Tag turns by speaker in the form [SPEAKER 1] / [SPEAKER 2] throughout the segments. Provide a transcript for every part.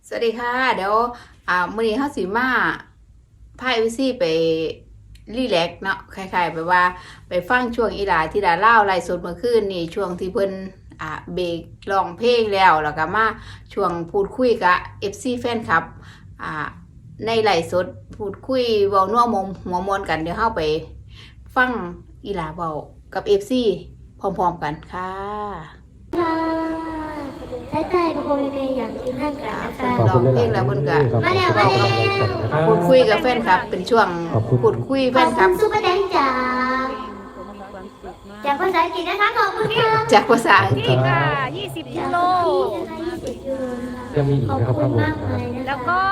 [SPEAKER 1] สวัสดีค่ะเดี๋ยวมื้อนี้เฮาสิมาพา FC ไปรีแลกซ์เนาะคล้ายๆแบบว่าไปฟังช่วงอีหลาที่ดาเล่าไลฟ์สดเมื่อคืนนี่ช่วงที่เพิ่นเบรกร้องเพลงแล้วก็มาช่วงพูดคุยกับ FC แฟนคลับในไลฟ์สดพูดคุยเว้านัวหัวมวนกันเดี๋ยวเฮาไปฟังอีหลาเว้ากับ FC พร้อมๆกันค่ะ
[SPEAKER 2] ใช่ใช่ทุกคนเลยอยากกินข้าวกันนะคะ
[SPEAKER 1] ร้องเพลงแล้วเพิ่นก็
[SPEAKER 2] มาแล้ว
[SPEAKER 1] พูดคุยกับแฟนคลับเป็นช่วงพูดคุยแฟ
[SPEAKER 2] ขอบ
[SPEAKER 1] นค
[SPEAKER 2] คุ
[SPEAKER 1] ลับ
[SPEAKER 2] ณซุปเปอร์แดงจากภาษาอังกฤษนะคะขอบคุณค่ะ
[SPEAKER 1] จากภาษาอังกฤษ
[SPEAKER 3] นี่ค่ะ20กิโล
[SPEAKER 4] ยังมีอีก
[SPEAKER 2] ขอบ
[SPEAKER 4] นะครับ
[SPEAKER 2] คุ
[SPEAKER 4] ข้า
[SPEAKER 2] ณ
[SPEAKER 4] งบน
[SPEAKER 2] มาก
[SPEAKER 4] นะ
[SPEAKER 2] เล
[SPEAKER 4] ครับ
[SPEAKER 2] ยนะคะ
[SPEAKER 3] แล้วก็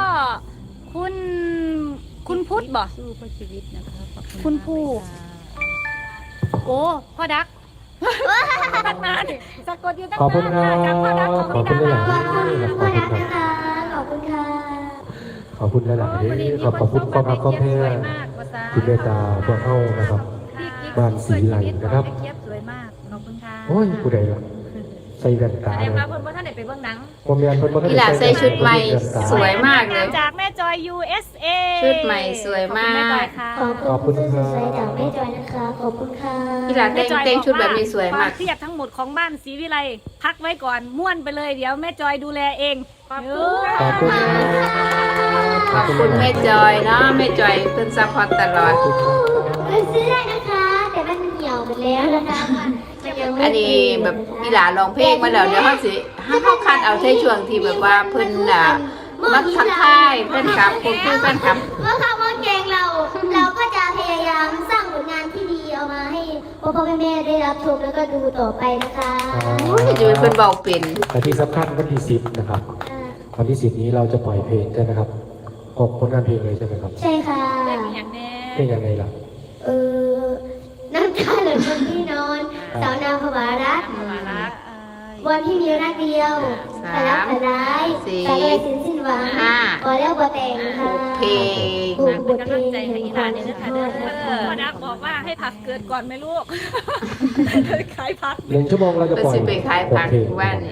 [SPEAKER 3] คุณพุทธบ่
[SPEAKER 5] สู้เพื่อชีวิตนะคะขอบ
[SPEAKER 3] คุณ
[SPEAKER 5] มาก
[SPEAKER 3] ผู้
[SPEAKER 5] เลยค่ะ
[SPEAKER 3] โอ้พ่อดักตั้งนานสะกดอยู่ตั้ง
[SPEAKER 4] ขอบคุณครั
[SPEAKER 3] นานจากพ่อดัก
[SPEAKER 4] บ
[SPEAKER 3] ของ
[SPEAKER 4] ขอบ
[SPEAKER 3] พี่
[SPEAKER 4] คุณ
[SPEAKER 3] ดา
[SPEAKER 4] หลาย
[SPEAKER 2] ขอบคุณ
[SPEAKER 4] ๆ
[SPEAKER 2] พ่อรัก
[SPEAKER 4] ครั
[SPEAKER 2] นะคะขอบคุณค่ะ
[SPEAKER 4] ขอบคุณหลายๆขอบคุณความรักความแพ้ที่เมตตาพวกเข้านะครับ บ้านศรีไหลนะครับ
[SPEAKER 3] เจี๊ยบสวยมากขอบคุณค่ะ
[SPEAKER 4] โอ้ยผู้ใดล่ะใส่แว่น
[SPEAKER 3] แส
[SPEAKER 4] ตา
[SPEAKER 3] ด
[SPEAKER 4] เล
[SPEAKER 3] ง
[SPEAKER 4] ย
[SPEAKER 3] ว่าเพิ่นบ่ทันได้ไปเบิ่งหนัง
[SPEAKER 4] ผมเรียนเพิ่นบ่ทัน
[SPEAKER 1] อีหลาใส่ชุดใหม่สวยมากเลย
[SPEAKER 3] จากแม่จอย USA
[SPEAKER 1] ชุดใหม่สวยมาก
[SPEAKER 3] ขอบคุณแม่จอยค่ะ
[SPEAKER 2] ขอบคุณเสื้อสวยๆจากแม่จอยนะคะขอบคุณค่ะ
[SPEAKER 1] อีหลาแต่งชุดแบบนี้สวยมาก
[SPEAKER 3] ควเครียดทั้งหมดของบ้านศรีวิไลพักไว้ก่อนม่วนไปเลยเดี๋ยวแม่จอยดูแลเองขอบคุณ
[SPEAKER 4] ขอบคุณครับ
[SPEAKER 1] ขอบคุณแม่จอยเนาะแม่จอยเพิ่นซัพพอร์ตตลอด
[SPEAKER 2] ไปซื้อได้นะคะ แต่มันเหี่ยวหมดแล้วนะคะมันยังไม่
[SPEAKER 1] อันนี้แบบอีหลาร้องเพลงมาแล้วเดี๋ยวเฮาสิเฮาคัดเอาในช่วงที่แบบว่าเพิ่นมาทักทายเพิ่นครับพูดคุยเพิ่นครับ
[SPEAKER 2] เมื่อคำว่าเก่งเราก็จะพยายามสร้างผลงานที่ดีเอามาให้พ่อแม่ได้รับชมแล้วก็ดูต่อไปนะคะ
[SPEAKER 1] โอ้ยจะเป็นเพิ่นเว้าเป็น
[SPEAKER 4] แต่ที่สำคัญวันที่10นะครับ วันที่10นี้เราจะปล่อยเพลงใช่ไหมครับ6ผลงานเพลงเลยใช่ไหมครับ
[SPEAKER 2] ใช่ค่ะ
[SPEAKER 3] เป็นอย่างแน่
[SPEAKER 4] เป็นยังไงล่ะ
[SPEAKER 2] เออน้ำตาเหลือบนที่นอนสาวนาภวารัก
[SPEAKER 3] มารัก
[SPEAKER 2] วันที่มีรักเดียวแต่รักแต่ร้ายแต่เลยสิ้นหวังพอแล้วพอแต่งค่ะ
[SPEAKER 1] เพลง
[SPEAKER 3] เป็นกำลังใจให้อีหลานเนี่ยนะคะเด้อพ่อดักบอกว่าให้พักเกิดก่อนไหมลูกขายพัก
[SPEAKER 4] 1 ชั่วโมงเราจะ
[SPEAKER 1] เพิ่น
[SPEAKER 4] ปล่อย
[SPEAKER 1] สิไปขายผัก
[SPEAKER 4] 6เพลง
[SPEAKER 1] ว่านี่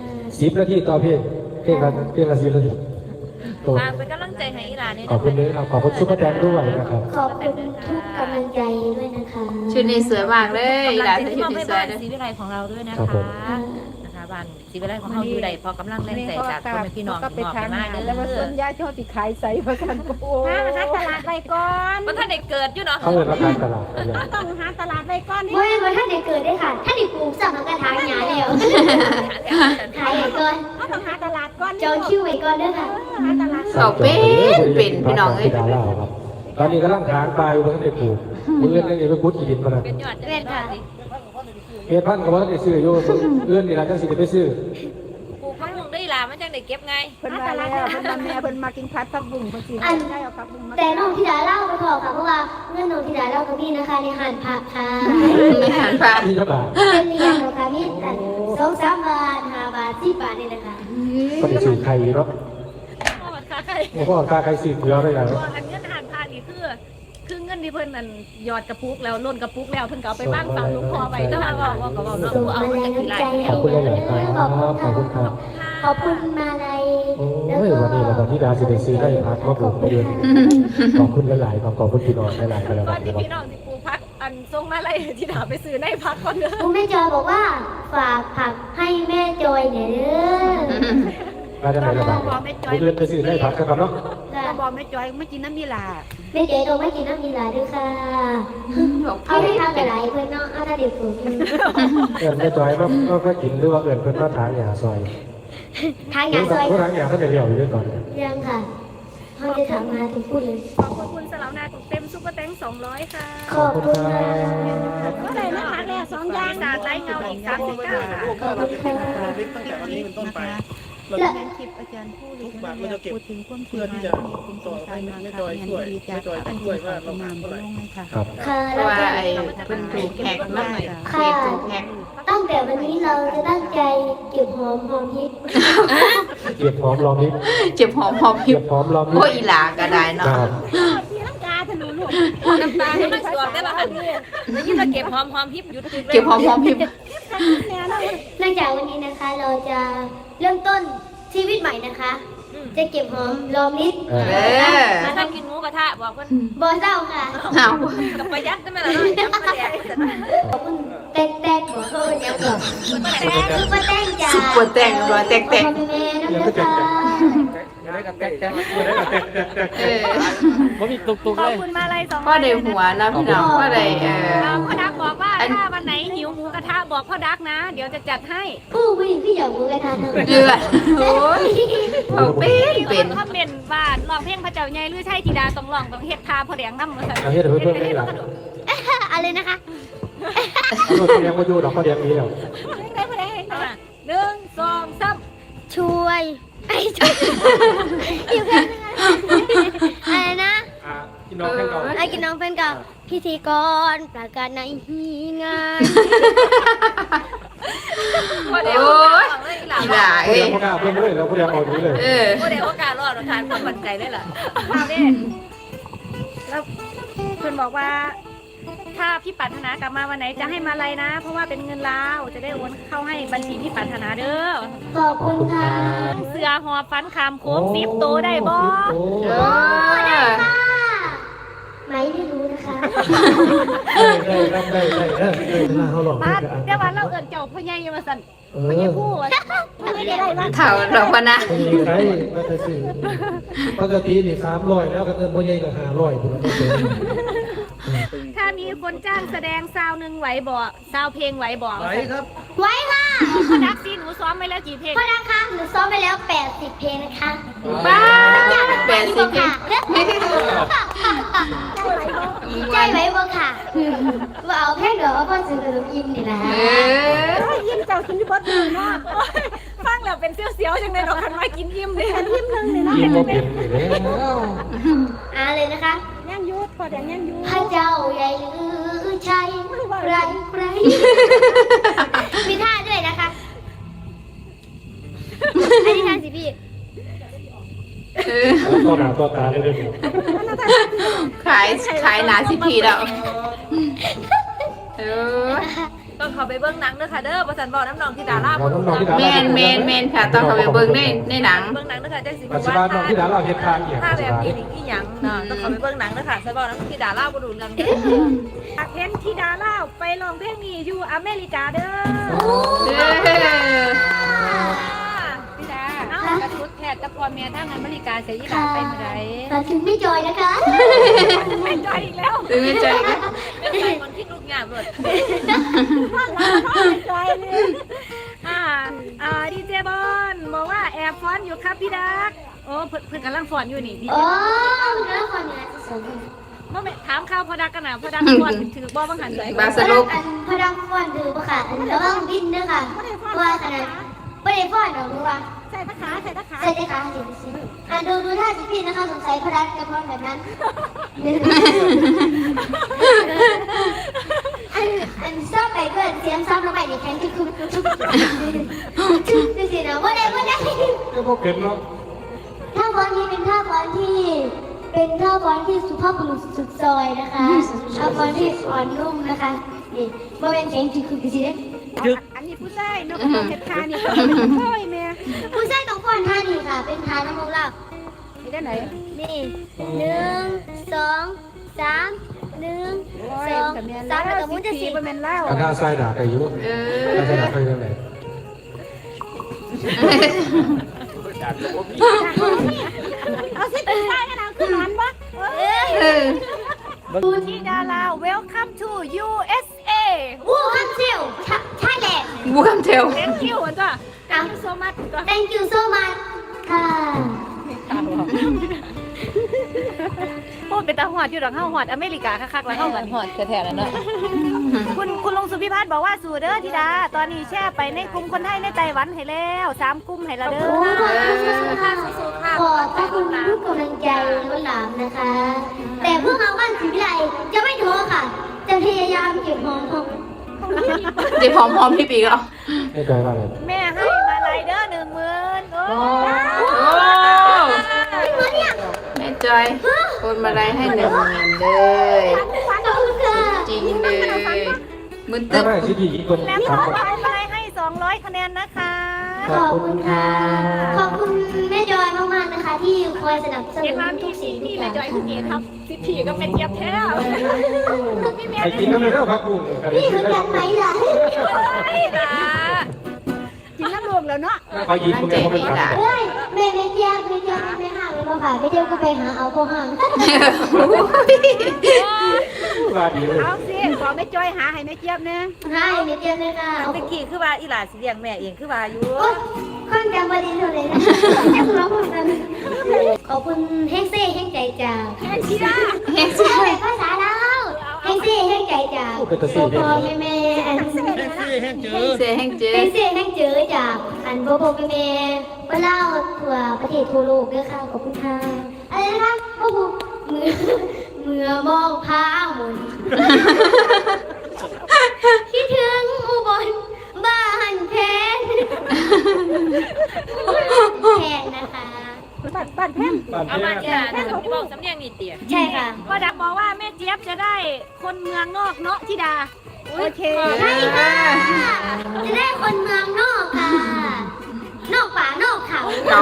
[SPEAKER 4] 10 นาทีต่อเพลงเพลงละ10 นาทีโอ้
[SPEAKER 3] ฝากเป็นกำลังใจให้อีหลานเนี่ย
[SPEAKER 4] ขอบคุณเลยครับขอบคุณซุปเปอร์แดงด้วยนะครับ
[SPEAKER 2] ขอบคุณทุกกำลังใจด้วยนะคะ
[SPEAKER 1] ชุดนี้สวยมากเลยอีหลาใส่ชุด
[SPEAKER 5] มอบ
[SPEAKER 1] นี้
[SPEAKER 5] ให้
[SPEAKER 1] สว
[SPEAKER 5] บ้าย น
[SPEAKER 1] เด้อ
[SPEAKER 5] ศรีวิไลของเราด้วยนะ
[SPEAKER 4] ครั
[SPEAKER 5] คะ
[SPEAKER 4] บผม
[SPEAKER 5] นะคะบ้านศรีวิไลของเราอยู่ใดพอกำลังแรงใจจากพ่อแม่พี่น้อง
[SPEAKER 6] ก็ไป
[SPEAKER 5] มอบ
[SPEAKER 6] ทา
[SPEAKER 5] ให้
[SPEAKER 6] ง
[SPEAKER 5] มาก
[SPEAKER 6] าน
[SPEAKER 5] เด้
[SPEAKER 6] แล้วมา
[SPEAKER 5] อ
[SPEAKER 6] ส้นยาเจ้าที่ขายใส่ประกันโอ้
[SPEAKER 3] หาตลาดไปก่อน
[SPEAKER 5] ว่าท่านได้เกิดอยู่เนาะ
[SPEAKER 4] เขาเงินราคาตลาดอะไร
[SPEAKER 3] ต้องหาตลาดไปก่อนนี่
[SPEAKER 2] เมื่อท่านได้เกิดได้ค่ะท่านได้ปลูกสัมกระถางหยาแล้วขายไว้ก่อน
[SPEAKER 3] ต้องหาตลาดก่อน
[SPEAKER 2] จองคิวไว้ก่อนด้วยค่ะ
[SPEAKER 3] หาตลาด
[SPEAKER 1] เอาเป็นพี่น้องเอ้ย
[SPEAKER 4] ดาราครับตอนนี้กำลังทางไปอยู่บนได้ปลูกมือเอื้อนยังไปพุทธอีดินมาแล้ว
[SPEAKER 5] เป็นยอดจะเป็นค่ะสิ
[SPEAKER 4] เฮ็ดพันธุ์ก็บ่ได้ซื้ออยู่เอื้อนนี่ล่ะจังสิได้ไปซื้อ
[SPEAKER 5] ปลูกผักบุ้งได้ล่ะมันจังได้เก็บไง
[SPEAKER 6] เพิ่นมาแล้วเพิ่นมาแม่เพิ่นมากินพัดผักบุ้งเพิ่นสิได้เอาผักบุ้งมา
[SPEAKER 2] แต่น้องธิดาเล่าไปพอค่ะเพราะว่าเงื่อนน้องธิดาเล่าตรงนี้นะคะในหันผักค่ะ
[SPEAKER 1] ไม่หันฟ้า
[SPEAKER 4] นี่เท่าไหร่
[SPEAKER 2] เป็นเรียนเหรอคะพี่2-3 บาท5 บาท10 บาทนี่นะคะ
[SPEAKER 4] ก็ได้ซื้อไข่เนาะ
[SPEAKER 3] พ่อค้าใคร
[SPEAKER 4] บ่พอค่าไข่ซื้อเกลือได้แล้ว
[SPEAKER 3] อันเงินอาหารพานี่คือเงินที่เพิ่นนั่นหยอดกระปุกแล้วล้นกระปุกแล้วเพิ่นก็เอาไปบ้านฝากหลวงพ่อไปแต่ว่าบอกก็บอกเนาะ
[SPEAKER 2] ส่ง
[SPEAKER 3] เอา
[SPEAKER 2] มา
[SPEAKER 3] มา
[SPEAKER 2] แรง
[SPEAKER 3] จากที่
[SPEAKER 2] น้ำ
[SPEAKER 3] ไร
[SPEAKER 2] ใจ
[SPEAKER 4] ขอบคุณหลายๆครับขอบคุณครับ
[SPEAKER 2] ขอบคุณมาลัย
[SPEAKER 4] โอ้ยวันนี้เราตอนที่ดาสิได้ซื้อได้พักมาปลูกไปเดือนขอบคุณหลายๆขอบคุณพี่น้องหลายๆก็แล้ว
[SPEAKER 3] ก่
[SPEAKER 4] กั
[SPEAKER 3] อน
[SPEAKER 4] น
[SPEAKER 3] ที่
[SPEAKER 4] นะครับ
[SPEAKER 3] พี่น้องสิปลูกพักอันส่งมาอะไรที่ถามไปซื้อในพักก่อนเด้อ
[SPEAKER 2] คุณแม่จอยบอกว่าฝากผักให้แม่จอยเนี่ยเด้อ
[SPEAKER 4] มาจากไหนล่ะบ้างเดือนไปซื้อได้พักกันเนาะ
[SPEAKER 6] ก็บอกแม่จอยไม่กินน้ำมีลา
[SPEAKER 2] แม่จอยต้องไม่กินน้ำมีหลายด้วยค่ะ
[SPEAKER 1] บอก
[SPEAKER 2] เอาให้ทำหลายเพื่อนเนาะเอาถ้าเด็กผม
[SPEAKER 4] เอิ้นไม่จอยก็กินหรือว่าเอิ้นเพิ่นมาทางหญ้าซอย
[SPEAKER 2] ทางยาซอย
[SPEAKER 4] เพราะทางหญ้าเขาได้เลี้ยวอยู่ด้วยก่อน
[SPEAKER 2] ยังค่ะเขาจะถามมาถึงพูดเลย
[SPEAKER 3] ขอบคุณสลาวนาตุกเต็มซุปเปอร์แตง200ค่ะ
[SPEAKER 2] ขอบคุณค่ะ
[SPEAKER 3] ก็ได้นะพักแล้ว2อย่างสาดไร้เงาอีก39ค่ะ
[SPEAKER 2] ขอบคุณค่ะ
[SPEAKER 7] ตั้งแต่วันนี้เป็นต้นไป เรา
[SPEAKER 2] และ
[SPEAKER 7] จะ
[SPEAKER 6] คลิปอาจารย์ผู้
[SPEAKER 7] ทุกบาทเราจะเก็บ
[SPEAKER 6] พูดถึงความ
[SPEAKER 7] เพื่อที่จะต่อให้แม่จอยช่วยแม่จอยจะช่วยว่าเราทำเท่าไหร่
[SPEAKER 4] ครับ
[SPEAKER 2] ค่ะ
[SPEAKER 1] เพ
[SPEAKER 2] แล้
[SPEAKER 1] ราะ
[SPEAKER 2] ว
[SPEAKER 1] ว่า
[SPEAKER 2] ก็
[SPEAKER 1] ไอ้เพิ่นถูกแฮกมากเลยเพจถูกแฮก
[SPEAKER 2] ตั้งแต่วันนี้เราจะตั้งใจเก็บหอมฮิต
[SPEAKER 4] เก็บหอมรอมิตร
[SPEAKER 1] เจ็บหอมพิ
[SPEAKER 4] เก็
[SPEAKER 1] บบ
[SPEAKER 4] หอมรอมิต
[SPEAKER 1] โอ้
[SPEAKER 4] ร
[SPEAKER 1] อีหลาก็ได้
[SPEAKER 4] ค
[SPEAKER 1] เนาะ
[SPEAKER 4] รับ
[SPEAKER 3] ที่ลังกาถนนลูก
[SPEAKER 5] น้ำตาให้มันสวมได้ป่ะคะแล้วยิ่งเราเก็บหอมฮิปหยุดตึกเลย
[SPEAKER 1] เจ็บหอมพิบ
[SPEAKER 2] หลังจากวันนี้นะคะเราจะเริ่มต้นชีวิตใหม่นะคะจะเก็บหอมรอมริด
[SPEAKER 1] เออ
[SPEAKER 3] ถ้าท่านกินหมูกระทะบอกเพิ่น
[SPEAKER 2] บอเศร้าค่ะ
[SPEAKER 1] เอา
[SPEAKER 3] กับประหยัดได้ไหมล่ะเนาะยังประหยัด
[SPEAKER 2] ขอบคุณแตกบอกเขาเป็นยังก่อนแตกคือป้าแตงจ้า
[SPEAKER 1] ซุปเปอร์แต่งรอยแตก
[SPEAKER 2] พ่อแม่น้ำตา
[SPEAKER 1] เออ
[SPEAKER 8] ผมมีตุก
[SPEAKER 3] ข
[SPEAKER 8] ๆ
[SPEAKER 3] อบ
[SPEAKER 8] เลย
[SPEAKER 3] คุณมาลัย200
[SPEAKER 1] พ่อได้หัวนะพี่น้องพ่อได้
[SPEAKER 3] พ่อดักบอกว่าถ้าวันไหนหิวหมูกระทะบอกพ่อดักนะ เดี๋ยวจะจัดให้
[SPEAKER 2] ผู้วิ่งพี่อยากรู้กันทานเถอะ
[SPEAKER 1] เลือดโอ้ยเอาเป็น
[SPEAKER 3] ถ้าเป็นบ้านร้องเพลงพระเจ้าใหญ่หรือใช่ธิดาต้องร้องต้องเฮ็ดทาพ่อแดงนำมาซั่น
[SPEAKER 4] เอาเฮ็ดให้เพิ่นได้หลัง
[SPEAKER 2] อะไรนะคะ
[SPEAKER 4] เอาเลี้ยงมาอยู่ดอกก็เลี้ยงนี้แล้ว
[SPEAKER 3] ได้พ่อแดง1 2 3
[SPEAKER 2] ช่วยไอ้ช่วยอยู่แค่นั้นอะไรนะ
[SPEAKER 4] กินน้องแค่ก่อน
[SPEAKER 2] ไอ้กินน้องเป็นกับพิธีกรประกาศในงาน
[SPEAKER 3] พ่อแดง
[SPEAKER 1] โอ้ย
[SPEAKER 3] บอกเลยอีหลา
[SPEAKER 1] อีหล่า
[SPEAKER 4] เขา
[SPEAKER 1] เอ้
[SPEAKER 4] เลี้
[SPEAKER 1] ย
[SPEAKER 4] ยงพ่อกล้าเพิ่มเลยแล้วเขาเลี้ยงออกนี้เลย
[SPEAKER 1] เออ
[SPEAKER 3] พ่อแดงโอกาสรอดทานความมั่นใจได้ล่ะเอาเด้แล้วเพิ่นบอกว่าถ้าพี่ปรารถนากลับมาวันไหนจะให้มาอะไรนะ เพราะว่าเป็นเงินลาวจะได้โอนเข้าให้บัญชีพี่ปรารถนาเด้อ
[SPEAKER 2] ขอบคุณค่ะ
[SPEAKER 3] เสือหอบฟันคำโค้งซิปโตได้บ่
[SPEAKER 1] เออ
[SPEAKER 2] ไม่รู้นะคะ
[SPEAKER 4] ได้เขาหลอก
[SPEAKER 3] บ้านเดี๋ยววันเราเอิ้นเจ้าพ่อใหญ่มาสั่นพ่อใหญ่ผู้ว่าไม่ได้มา
[SPEAKER 1] เถ่าเราพนะ
[SPEAKER 4] ไม่มีใครมาแต่สิปกตินี่300แล้วก็เงินบ่ใหญ่ก็500พุ่น
[SPEAKER 3] ถ้ามีคนจ้างแสดงซาวหนึ่งไหวบ่ซาวเพลงไหวบ่
[SPEAKER 8] ไหวครับ
[SPEAKER 2] ไว้ค่ะ
[SPEAKER 3] พอดักซีหนูซ้อมไปแล้วกี่เพลง
[SPEAKER 2] พ่อนะคะหนูซ้อมไปแล้ว80เพลงนะคะ
[SPEAKER 1] บ้า
[SPEAKER 2] อยาก
[SPEAKER 1] แปดสิบ
[SPEAKER 2] ค่ะใจไว้บ่ค่ะว่าเอาเพลงเดี๋ยวพ่อซื้อขนมยิ้มนี่นะ
[SPEAKER 1] เออ
[SPEAKER 6] ยิ้มเจ้ากินที่บดมือเนาะ
[SPEAKER 3] ฟังแล้วเป็นเสียวๆจังเลยดอกคันมากินยิ้มเลย
[SPEAKER 6] ยิ้มนึงเลยเนาะ
[SPEAKER 4] กินบ่เป็นนี่แล้ว
[SPEAKER 2] เลยนะคะ
[SPEAKER 6] ย่างยุดพอแดงย่างยุด
[SPEAKER 2] พระเจ้าใหญ่ลือชัยไรมีท่าด้วยนะคะอันนี้ท่าสิพี่
[SPEAKER 1] เออ
[SPEAKER 4] ต่อหน้าต่อตาเลยเด้อ
[SPEAKER 1] ขายหนาสิพีแล้วเออ
[SPEAKER 3] ต้องเข้าไปเบิ่งหนังเด้อค่ะเด้อประสันบอกน้ำนองที่ดารา
[SPEAKER 4] เราต้องนอนที่ดา
[SPEAKER 1] แมนค่ะต้องเข้าไปเบิ่งในหนัง
[SPEAKER 3] เบิ่งหนังเด้อค่ะจังสิ
[SPEAKER 4] ปัจจุบันนอนที่ดาราเฮ็ดทางอีก
[SPEAKER 3] ถ้าแบบนี้นี่อีหยังเนาะต้องเข้าไปเบิ่งหนังเด้อค่ะสันบอกน้ำที่ดาราบ่รู้เรื่องเด้อเห็นที่ดาราไปร้องเพลงนี้อยู่อเมริกาเด้อ
[SPEAKER 1] เออ
[SPEAKER 3] พี่ดาเอ้ากระชุดแพทย์กับพ่อแม่ทางอเมริกาเสียอีหลานไปเมื่อใด
[SPEAKER 2] แต่ถึงไม่จอยนะคะ
[SPEAKER 3] ไม่ใจอีกแล้ว
[SPEAKER 1] ตื่นไม่ใจกัน
[SPEAKER 3] เป็นใจคนที่ลูกยากเลย
[SPEAKER 6] จอยเลย
[SPEAKER 3] ดีเจบอลบอกว่าแอบฟ้อนอยู่ครับพี่ดักโอ้เพิ่นกำลังฟ้อนอยู่นี่ดีเจ
[SPEAKER 2] โอ้แล้วคนนี้จะสม
[SPEAKER 3] เมื่อถามข่าวพอดักกันนะพอดักฟ้อนถือบ่บังหันเลย
[SPEAKER 1] บาสรุป
[SPEAKER 2] พระดังฟ้อนคือปะค่ะระวังบินด้วยค่ะว่าขนาดไม่ได้ฟ้อนหรอกรู้ป่ะ
[SPEAKER 6] ใส่ตะขาใส่ตะขา
[SPEAKER 2] ใช่ไหมคะดูท่าสิพี่นะคะสงสัยพระดังจะฟ้อนแบบนั้นอันซ้อมไปเกินเสียงซ้อมลงไปในแขนที่คุณดูสินะว่าได้
[SPEAKER 4] ก็บ่เป็นเนาะ
[SPEAKER 2] ท่าฟ้อนนี้เป็นท่าฟ้อนที่สุภาพบุรุษสุดซอยนะคะท่าฟ้อนที่อ่อนนุ่มนะคะนี่ว่าเป็นเพลงที่คุณสิเด้
[SPEAKER 6] อันนี้ผู้ชายนกเห็ดคานี่โอ้ยแม่
[SPEAKER 2] ผู้ชายต้องฟ้อนท่านี้ค่ะ เป็นท่าน้ำมันเรา
[SPEAKER 6] นี่ได้ไหน
[SPEAKER 2] นี่1 2 3 1 2 3แล้วก็มุนจะสิบ
[SPEAKER 6] เป็นแม่นเล่า
[SPEAKER 4] อันหน้าซ้ายด่าไปอยู่
[SPEAKER 1] เอ
[SPEAKER 4] หน้า
[SPEAKER 1] อ
[SPEAKER 4] ซ้ายด่าไปทางไหน
[SPEAKER 6] เอาสิเป็นชายกันเอาขึ้นหันบ่
[SPEAKER 1] เออ
[SPEAKER 3] ดูที่ดารา Welcome to USA
[SPEAKER 2] วู้คัมซิลใช่แหละ
[SPEAKER 1] บูคำเทล
[SPEAKER 3] Thank you จ้ะ Thank you so much จ้ะ
[SPEAKER 2] Thank you so much ค่ะ
[SPEAKER 3] พูดเป็นตาหอดอยู่ดอกเฮาหอดอเมริกาคักๆแล้วเฮากัน
[SPEAKER 5] หอดแท้ๆแล้วเนาะ
[SPEAKER 3] คุณลุงสุพิพัฒน์บอกว่าสู่เด้อธิดา ตอนนี้แช่ไปในกลุ่มคนไทยในไต้หวันให้แล้ว3กลุ่มให้และเด้อ
[SPEAKER 2] ขอบพระคุณทุกกำลังใจล้นหลามนะคะ แต่พวกเราบ้านศิวิไลจะไม่ท้อค่ะ จะพยายามเก็บหอมของ
[SPEAKER 1] เดี๋ยวพร้อมพี่ปีกเหรอ
[SPEAKER 4] ไม่ไกลมากเลย
[SPEAKER 3] แม่ให้มาลายเด้อ10,000โอ้
[SPEAKER 1] โอ้แม่จอยคนมาไล่ให้1,000เลย
[SPEAKER 2] ขอบคุณค่ะ
[SPEAKER 1] จริงเลยมึน
[SPEAKER 4] ถ้า
[SPEAKER 1] ตึ๊บ
[SPEAKER 4] ไม่คิดอีกคน
[SPEAKER 3] แล้ว
[SPEAKER 4] ถาม
[SPEAKER 3] ขอมาลายให้200คะแนนนะคะ
[SPEAKER 2] ขอบคุณค่ะ ขอบคุณแม่จอยมากๆที่คอยสนับสนุ
[SPEAKER 3] เห็น
[SPEAKER 2] น
[SPEAKER 3] ว่า
[SPEAKER 2] ทุ
[SPEAKER 3] พี่
[SPEAKER 2] กสิ่งทุ
[SPEAKER 3] พี่
[SPEAKER 2] กอ
[SPEAKER 3] แม่
[SPEAKER 2] ย่าง
[SPEAKER 3] จอยคือเกียรติครับสิทธิก็เป็นเกียรติแท้พี่แม่
[SPEAKER 4] ไอ้กินก็ไม่ได้พักบุญ
[SPEAKER 2] พี่เหมือนกันไหมล่ะ
[SPEAKER 3] ไม่ล่ะ
[SPEAKER 6] กินน้ำรวมแล้วเนาะ
[SPEAKER 4] เขายิงมึงไงเขาเป็นพัก
[SPEAKER 2] เฮ้ยแม่เจี๊ยบไม่ห่างเลยมาค่ะไม่เจี๊ยบก็ไปหาเอาพอห่าง
[SPEAKER 4] ว่าดีเลย
[SPEAKER 6] เอาสิขอแม่จอยหาให้แม่เจี๊ยบนะ
[SPEAKER 2] ให้แม่เจี๊ยบเลยค่ะ
[SPEAKER 5] ตะกี้คือว่าอีหลาสิเลี้ยงแม่เองคือว่าอยู่
[SPEAKER 2] โอ๊ยคนจำประเด็นเลยนะแค่ร้องคนกันขอบคุณเฮงเซ่เฮงใจจาง
[SPEAKER 3] แค่ชี้ได้
[SPEAKER 2] เฮงเซ่ภาษาลาวเฮงเซ่เฮงใจจางพ่อแม่
[SPEAKER 1] เสียแห่งเจอ
[SPEAKER 2] เฮงเซ่เฮงเจอจากอันพ่อแม่เล่าทั่วประเทศทั่วโลกด้วยค่ะขอบคุณค่ะอะไรนะคะพ่อผู้เมื่อมองพาหมุนคิดถึงอุบลบ้านแพนแพนนะคะ
[SPEAKER 6] บ้านแพง
[SPEAKER 5] เอามาอีหลาหนูบอกสำเนียงนี่เตี๋ย
[SPEAKER 2] ใช่ค่ะ
[SPEAKER 3] พ่อดักบอกว่าแม่เจี๊ยบจะได้คนเมืองนอกเนาะธิดา
[SPEAKER 6] โอเค
[SPEAKER 2] ใช่ค่ะ จะได้คนเมืองนอกค่ะ นอกป่านอกเขา
[SPEAKER 1] เอา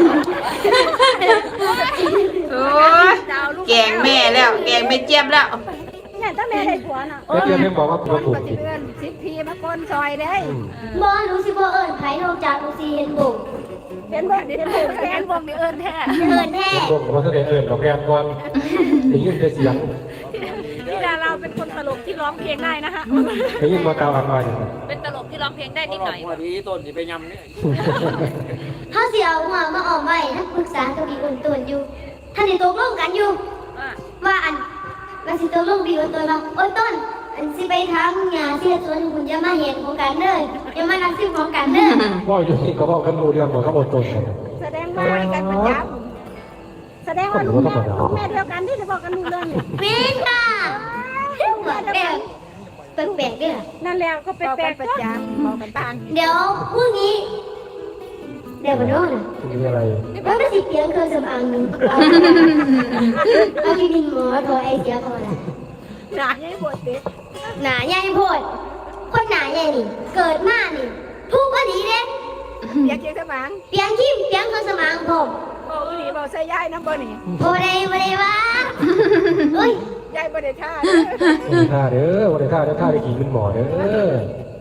[SPEAKER 1] โอ้ยแกงแม่แล้ว แกงไม่เจี๊ยบแล้ว
[SPEAKER 6] เนี่ยถ้าแม่ได้ผัวน่ะ
[SPEAKER 4] แล้วเดี๋ยวแม่บอกว่าตัวถูก
[SPEAKER 6] ปฏิ
[SPEAKER 4] ผิด
[SPEAKER 6] เวณสิบพีมาก้นซอยได้
[SPEAKER 2] บอหนูสิบเอิญไผ่นอกจากหนูสิเห็นบุก
[SPEAKER 6] เป็นบ่เป็นบ่
[SPEAKER 3] แฟนวงนี่เอิญแท้
[SPEAKER 2] เอิญแท้
[SPEAKER 4] พวกเขาแสดงดอกแก้มก่อนได้ยินแต่เสียง
[SPEAKER 3] ธิดาเราเป็นคนตลกที่ร้องเพลงได้นะคะ
[SPEAKER 4] ได้ยินมาตาวอันมาอย่าง
[SPEAKER 5] เป็นตลกที่ร้องเพลงได้นิดหน่อย
[SPEAKER 8] หัวที่ต้นสิไปยำเนี่ย
[SPEAKER 2] เขาเสียเอาหัวมาออกไว้ถ้าปรึกษาตัวดีอุ่นตัวอยู่ท่านในตกลงกันอยู่ ว่าอันมันสิตกลงดีอุ่นตัวว่าโอ้ยต้น อันสิไปทำงานที่สวนคุณจะมาเห็นของกันเด้อจะมานักซิมของกันเด้อ
[SPEAKER 4] ว่าอยู่นี่เขาบอกกันรู้เรื่องบอกเขาอดทนกัน
[SPEAKER 6] แสดงว่าให้กันประจำแสดงว่าลูกแม่เดียวกันที่จะบอกกันรู้เรื่องเนี่ย
[SPEAKER 2] ปีนค่ะแปลกแปลกๆด้วย
[SPEAKER 6] นั่นแล้วก็เป็นแปลกประจำบอกกันบ้าง
[SPEAKER 2] เดี๋ยวพรุ่งนี้เดี๋ยวมาโน่น
[SPEAKER 4] มีอะไร
[SPEAKER 2] แล้วก็สิเพียงเครื่องสำอางหนึ่งเอาที่ดินหมอโทรไอเสียพอละ
[SPEAKER 6] หนาใหญ่ปวดเด็ก
[SPEAKER 2] หนาใหญ่โพดคนหนาใหญ่นี่ เกิดมานี่ทุกข์ก็ดีเด้
[SPEAKER 6] เปียกเจียงสมาง
[SPEAKER 2] เพียงขี้เพียงเครื่องสำอางผม
[SPEAKER 6] บอกดีบอกใส่ยายน้ำบ่นี่
[SPEAKER 2] โบได้วะเฮ้ย
[SPEAKER 6] ยายบ่ได้ท่า
[SPEAKER 4] วันท่าเด้อวันท่าเด้อท่าได้ขี่เป็นหมอเด้อ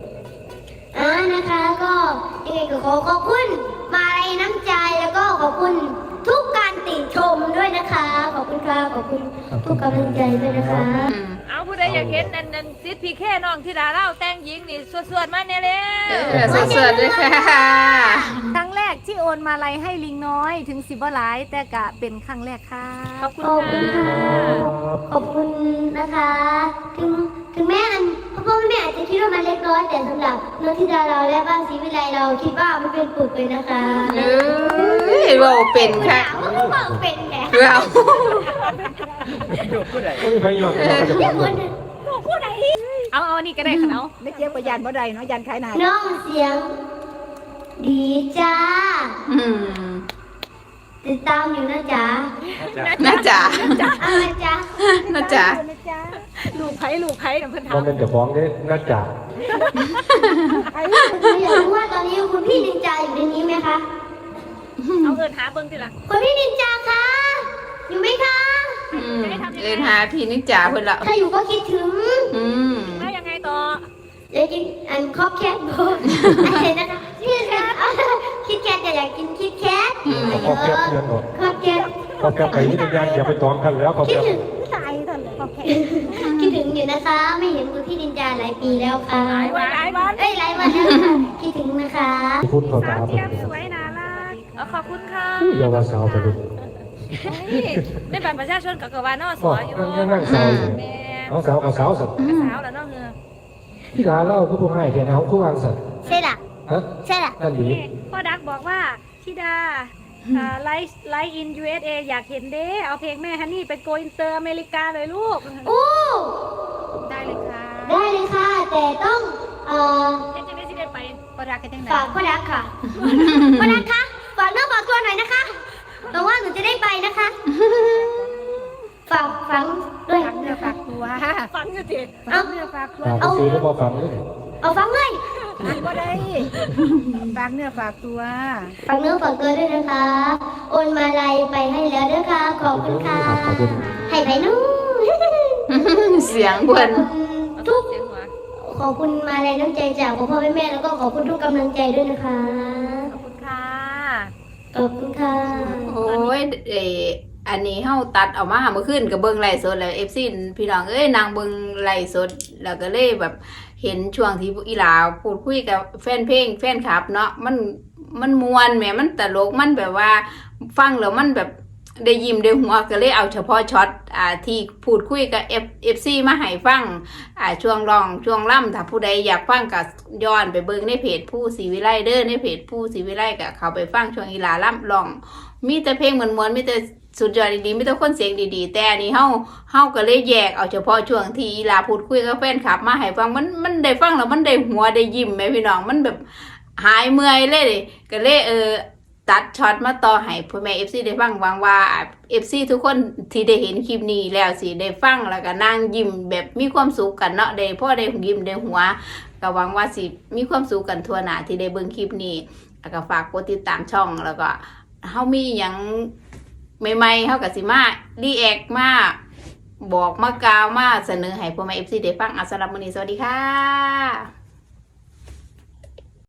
[SPEAKER 2] นะคะก็ยังไงก็ขอขอบคุณมาลัยน้ำใจแล้วก็ขอบคุณทุกการติชมด้วยนะคะ ขอบคุณค่ะขอบคุณทุกกำลังใจด้วยนะคะ
[SPEAKER 5] เอาผู้ใดอยากเห็นนั่นซิดพีแค่น้องธิดาเล่าแต่งหญิงนี่สวดๆมาเนี่ยเลย
[SPEAKER 1] สดๆเลยค่ะ
[SPEAKER 3] ครั้งแรกที่โอนมาลัยให้ลิงน้อยถึงสิบหลาย แต่กะเป็นครั้งแรกค่ะ
[SPEAKER 5] ขอบคุณ
[SPEAKER 2] ขอบคุณ
[SPEAKER 5] ค่ะ
[SPEAKER 2] ค่ะขอบคุณนะคะ ถึงแม้พ่อแม่อาจจะคิดว่ามันเล็กน้อยแต่สำหรับน้องธิดาเราและบ้านศรีวิไลเราคิดว่ามันเป็นปึกเลยนะคะ
[SPEAKER 1] เอ้ยเราเป็นค่ะ
[SPEAKER 2] มันก็บอกเป็นแหละ
[SPEAKER 1] เรา
[SPEAKER 4] ไม่มีใครยอมกันจะ
[SPEAKER 2] เรียก
[SPEAKER 4] พู
[SPEAKER 2] ค
[SPEAKER 4] ด
[SPEAKER 2] น
[SPEAKER 3] เอานี่ก็ได้ค่ะเอา
[SPEAKER 6] ไม่เจี๊ยบก็ยันบ่ได้เนาะยันขายหนา
[SPEAKER 2] น้องเสียง ดีจ้า
[SPEAKER 1] อืม
[SPEAKER 2] ติดตามอยู่นะจ๊ะ
[SPEAKER 1] น่าจ๋า
[SPEAKER 2] เอาละจ๊ะ
[SPEAKER 1] น่าจ๋า
[SPEAKER 3] ลูกไผ่ลูกไผ่เพิ่น
[SPEAKER 4] มัน
[SPEAKER 3] ทำ
[SPEAKER 4] เป็นเจ้าของเด้น่าจ่า
[SPEAKER 2] หนูอยากรู้ว่าตอนนี้คุณพี่นินจาอยู่ในนี้ไหมคะ
[SPEAKER 3] เอาเอิญหาเบิ่งทีละ
[SPEAKER 2] คุณพี่นินจาคะ อยู่ไหมคะ
[SPEAKER 1] อืมเอินหาพี่นิจ๋าเพิ่นละ
[SPEAKER 2] ถ้าอยู่ก็คิดถึง
[SPEAKER 1] อืม
[SPEAKER 3] แล้วยังไงต่อ
[SPEAKER 2] เดี๋ยวกินอันคอบแคทบอกอะไรนะคะคิดแคทคิดแคทอยากกินคิดแคท
[SPEAKER 4] ขอแก้เพื่อนหมด
[SPEAKER 2] คอบแคท
[SPEAKER 4] ขอแก้ไปนี่เป็นยังอย่าไปตอมกันแล้วขอ
[SPEAKER 2] คิด
[SPEAKER 4] แก้
[SPEAKER 2] ถึง
[SPEAKER 6] ตายตอนเลยโอเค
[SPEAKER 2] คิดถึงอยู่นะคะ ไม่เห็นคุณพี่นินจาหลายปีแล้วค่ะ
[SPEAKER 3] หลายวัน
[SPEAKER 2] เอ้ยหลายวันแล้วค่ะคิดถึงนะคะ
[SPEAKER 4] พูดเขา
[SPEAKER 3] สา
[SPEAKER 4] ตาว
[SPEAKER 3] เจี๊ยบสวยน่ารัก
[SPEAKER 5] เอาขอบคุณค่ะ
[SPEAKER 4] เยาวสาวไปเลย
[SPEAKER 5] นี่ในบัตรประชาชนกับกวานอส
[SPEAKER 4] ก็
[SPEAKER 5] ออยู่
[SPEAKER 4] นั่งสาวอยู่
[SPEAKER 5] แม่
[SPEAKER 4] เอาสาวเอาสาวสัตว์
[SPEAKER 5] สาวแล้วน้องเงือ
[SPEAKER 4] ที่ร้านเล่าก็ผู้ให้แค่เอาผู้วางสัตว์
[SPEAKER 2] ใช่ล่ะ
[SPEAKER 4] ฮะ
[SPEAKER 2] ใช่ล่ะ
[SPEAKER 4] นั่นดี
[SPEAKER 3] พ่อดักบอกว่าธิดาไลฟ์อิน USA อยากเห็นเด้เอาเพลงแม่ฮันนี่ไปโกอินเตอร์อเมริกาเลยลูก
[SPEAKER 2] โอ้
[SPEAKER 3] ได้เลยค่ะ
[SPEAKER 2] ได้เลยค่ะ แต่ต้อง
[SPEAKER 3] เจ๊จะได้สิได้ไปพ่อดักกันจังไหน
[SPEAKER 2] ฝากพ่อรักค่ะ พ่อรักคะฝากเนื้อฝากตัวหน่อยนะคะหวังว่าหนูจะได้ไปนะคะ ฝากฝังด้วย
[SPEAKER 6] ฝากเนื้อฝากตัว
[SPEAKER 3] ฟังอยู่สิ
[SPEAKER 2] เอา
[SPEAKER 6] เนื้อฝากตัว
[SPEAKER 4] ฝากซื้อแล้วมาฟังเลย
[SPEAKER 2] เอาฟังเลย
[SPEAKER 6] อ่านบ่ได้ฝากเนื้อฝากตัว
[SPEAKER 2] ฝากเนื้อฝากตัวด้วยนะคะ โอนมาลัยไปให้แล้วด้วยค่ะ ขอบคุณค่ะ
[SPEAKER 4] ขอบคุณ
[SPEAKER 2] ให้ไปนู้
[SPEAKER 1] เสียงเพิ่น
[SPEAKER 2] ทุก
[SPEAKER 3] เสียงหัว
[SPEAKER 2] ขอบคุณมาลัยน้ำใจจากพ่อแม่แล้วก็ขอบคุณทุกกำลังใจด้วยนะคะ
[SPEAKER 3] ขอบคุณค่ะ
[SPEAKER 2] ขอบคุณค่ะ
[SPEAKER 1] โอ้ยอันนี้เฮาตัดออกมาเมื่อคืนก็เบิ่งไลฟ์สดแล้ว FC พี่น้องเอ้ยนางเบิ่งไลฟ์สดแล้วก็เลยแบบเห็นช่วงที่อีหลาพูดคุยกับแฟนเพลงแฟนคลับเนาะมันม่วนแหมมันตลกมันแบบว่าฟังแล้วมันแบบได้ยิ้มได้หัวก็เลยเอาเฉพาะช็อตที่พูดคุยกับ FC มาให้ฟังช่วงร้องช่วงล่ำถ้าผู้ใดอยากฟังก็ย้อนไปเบิ่งในเพจผู้ศรีวิไลเด้อในเพจผู้ศรีวิไลก็เข้าไปฟังช่วงอีหลาล่ำร้องมีแต่เพลงม่วนๆมีแต่สุดยอดดีๆมีแต่คนเสียงดีๆแต่อันนี้เฮาก็เลยแยกเอาเฉพาะช่วงที่อีหลาพูดคุยกับแฟนคลับมาให้ฟังมันได้ฟังแล้วมันได้หัวได้ยิ้มแม่พี่น้องมันแบบหายเมื่อยเลยก็เลยตัดช็อตมาต่อให้พ่อแม่ FC ได้ฟังหวังว่า FC ทุกคนที่ได้เห็นคลิปนี้แล้วสิได้ฟังแล้วก็นั่งยิ้มแบบมีความสุขกันเนาะได้พ่อได้ยิ้มได้หัวก็หวังว่าสิมีความสุขกันทั่วหน้าที่ได้เบิ่งคลิปนี้แล้วก็ฝากกดติดตามช่องแล้วก็เฮามีหยังใหม่ๆเฮาก็สิมารีแอคมาบอกมากล่าวมาเสนอให้พ่อแม่ FC ได้ฟังสำหรับมื้อนี้สวัสดีค่ะ